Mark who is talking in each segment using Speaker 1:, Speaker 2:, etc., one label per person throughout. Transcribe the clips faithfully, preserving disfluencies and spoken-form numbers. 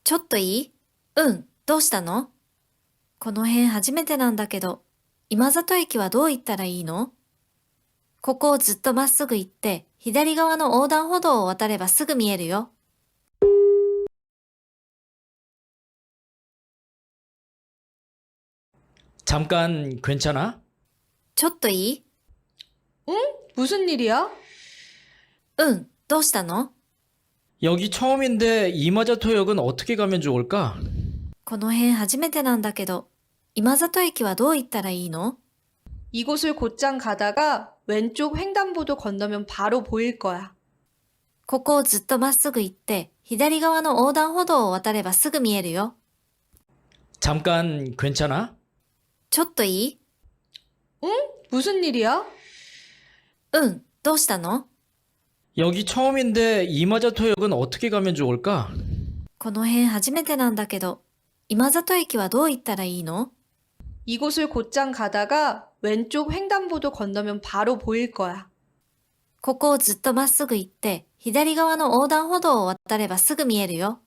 Speaker 1: ちょっといい？うん、どうしたの？この辺初めてなんだけど、今里駅はどう行ったらいいの？ここをずっとまっすぐ行って、左側の横断歩道を渡ればすぐ見えるよ。
Speaker 2: 잠깐 괜찮아?
Speaker 1: ちょっといい？
Speaker 3: 응? 무슨 일이야?
Speaker 1: うん、どうしたの？
Speaker 2: 여기 처음인데 이마자토역은 어떻게 가면 좋을까?
Speaker 1: この辺初めてなんだけど、今里駅はどう行ったらいいの？
Speaker 3: 이곳을 곧장 가다가 왼쪽 횡단보도 건너면 바로 보일 거야.
Speaker 1: ここをずっとまっすぐ行って、左側の横断歩道を渡ればすぐ見えるよ。
Speaker 2: 잠깐 괜찮아?
Speaker 1: ちょっといい？
Speaker 3: 응? 무슨 일이야?
Speaker 1: うん、どうしたの？
Speaker 2: 여기 처음인데 이마자토역은 어떻게 가면 좋을까?
Speaker 1: この辺初めてなんだけど、今里駅はどう行ったらいいの？
Speaker 3: 이곳을 곧장 가다가 왼쪽 횡단보도 건너면 바로 보일 거야.
Speaker 1: ここをずっとまっすぐ行って、左側の横断歩道を渡ればすぐ見えるよ。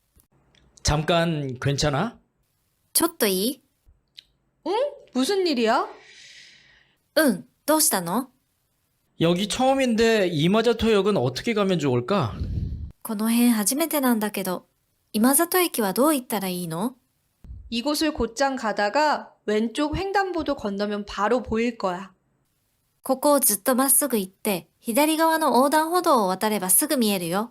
Speaker 2: 잠깐 괜찮아?
Speaker 1: ちょっといい？
Speaker 3: 응? 무슨 일이야?
Speaker 1: うん、どうしたの？
Speaker 2: 여기 처음인데 이마자토역은 어떻게 가면 좋을까?
Speaker 1: この辺初めてなんだけど、今里駅はどう行ったらいいの？
Speaker 3: 이곳을 곧장 가다가 왼쪽 횡단보도 건너면 바로 보일 거야.
Speaker 1: ここをずっとまっすぐ行って、左側の横断歩道を渡ればすぐ見えるよ。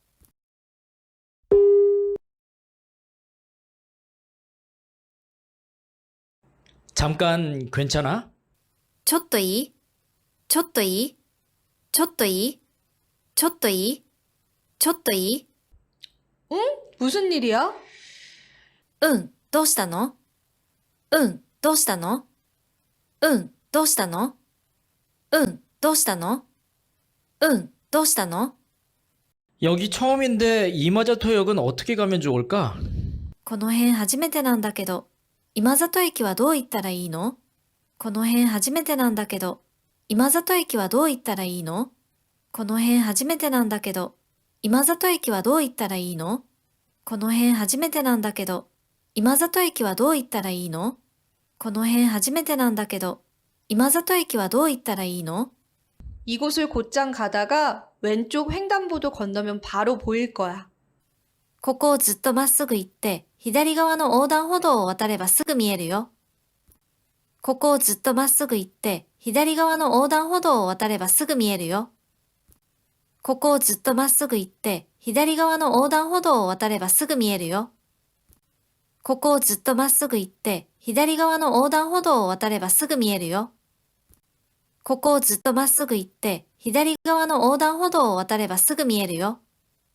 Speaker 2: 잠깐 괜찮아?
Speaker 1: ちょっといい？ちょっといい？ちょっといい？ちょっといい？ちょっといい？
Speaker 3: 응? 무슨 일이야?
Speaker 1: うん、どうしたの？うん、どうしたの？うん、どうしたの？うん、どうしたの？うん、どうしたの？
Speaker 2: 여기 처음인데 이마자토역은 어떻게 가면 좋을까?
Speaker 1: この辺初めてなんだけど、今里駅はどう行ったらいいの？この辺初めてなんだけど、今里駅はどう行ったらいいの？この辺初めてなんだけど、今里駅はどう行ったらいいの？この辺初めてなんだけど、今里駅はどう行ったらいいの？この辺初めてなんだけど、今里駅はどう行ったらいいの？
Speaker 3: 이곳을 곧장 가다가 왼쪽 횡단보도 건너면 바로 보일 거야.
Speaker 1: ここをずっとまっすぐ行って、左側の横断歩道を渡ればすぐ見えるよ。ここをずっとまっすぐ行って、左側の横断歩道を渡ればすぐ見えるよ。ここをずっとまっすぐ行って、左側の横断歩道を渡ればすぐ見えるよ。ここをずっとまっすぐ行って、左側の横断歩道を渡ればすぐ見えるよ。ここをずっとまっすぐ行って、左側の横断歩道を渡ればすぐ見えるよ。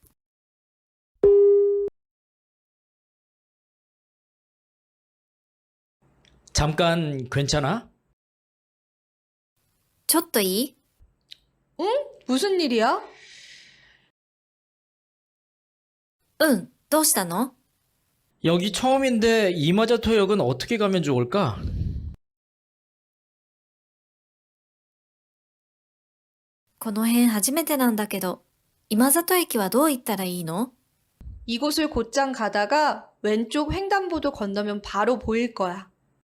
Speaker 2: 잠깐 괜찮아?
Speaker 1: ちょっといい？
Speaker 3: 응? 무슨 일이야?
Speaker 1: うん、どうしたの？
Speaker 2: 여기 처음인데 이마자토역은 어떻게 가면 좋을까?
Speaker 1: この辺初めてなんだけど、今里駅はどう行ったらいいの？
Speaker 3: 이곳을 곧장 가다가 왼쪽 횡단보도 건너면 바로 보일 거야.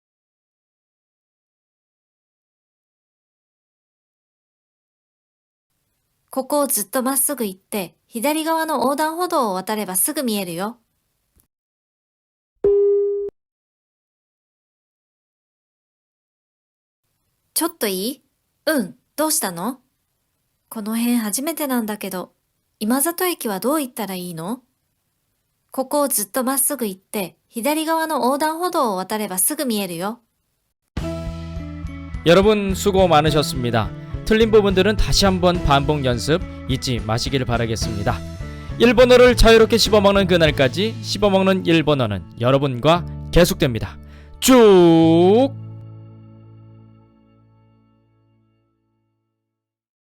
Speaker 1: ここをずっとまっすぐ行って、左側の横断歩道を渡ればすぐ見えるよ。ちょっといい？うん、どうしたの？この辺初めてなんだけど、今里駅はどう行ったらいいの？ここをずっとまっすぐ行って、左側の横断歩道を渡ればすぐ見えるよ。
Speaker 2: 여러분 수고 많으셨습니다. 틀린 부분들은 다시 한번 반복 연습 잊지 마시길 바라겠습니다. 일본어를 자유롭게 씹어먹는 그날까지 씹어먹는 일본어는 여러분과 계속됩니다. 쭉